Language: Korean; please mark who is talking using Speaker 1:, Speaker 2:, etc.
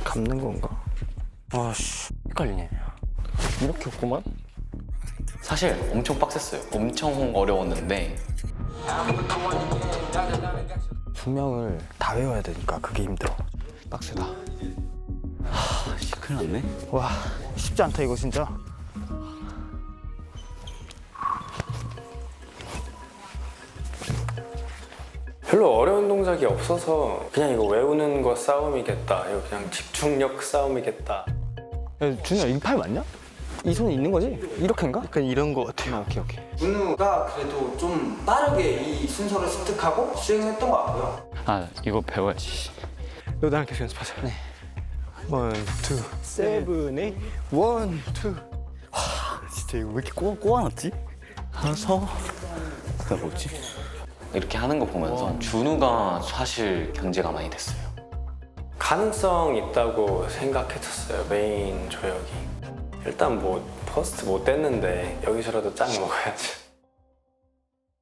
Speaker 1: 감는 건가? 아씨 헷갈리네. 이렇게 없구만.
Speaker 2: 사실 엄청 빡셌어요. 엄청 어려웠는데
Speaker 1: 분명을 다 외워야 되니까 그게 힘들어. 빡세다.
Speaker 2: 큰일 났네.
Speaker 1: 와 쉽지 않다 이거 진짜.
Speaker 3: 별로 어려운 동작이 없어서 그냥 이거 외우는 거 싸움이겠다. 이거 그냥 집중력 싸움이겠다.
Speaker 1: 야, 준우야 이 팔 맞냐? 이 손이 있는 거지? 이렇게인가? 약간 이런 거 같아요. 오케이 오케이.
Speaker 4: 준우가 그래도 좀 빠르게 이 순서를 습득하고 수행했던 것 같고요.
Speaker 2: 아 이거 배워야지.
Speaker 1: 너 나랑 계속 연습하자. 네. 원, 투, 세븐, 에잇. 원, 투. 와, 진짜 이거 왜 이렇게 꼬아놨지? 하서. 나 뭐지?
Speaker 2: 이렇게 하는 거 보면서 준우가 사실 견제가 많이 됐어요.
Speaker 3: 가능성 있다고 생각했었어요. 메인 조역이. 일단 뭐 퍼스트 못 됐는데 여기서라도 짠 먹어야지.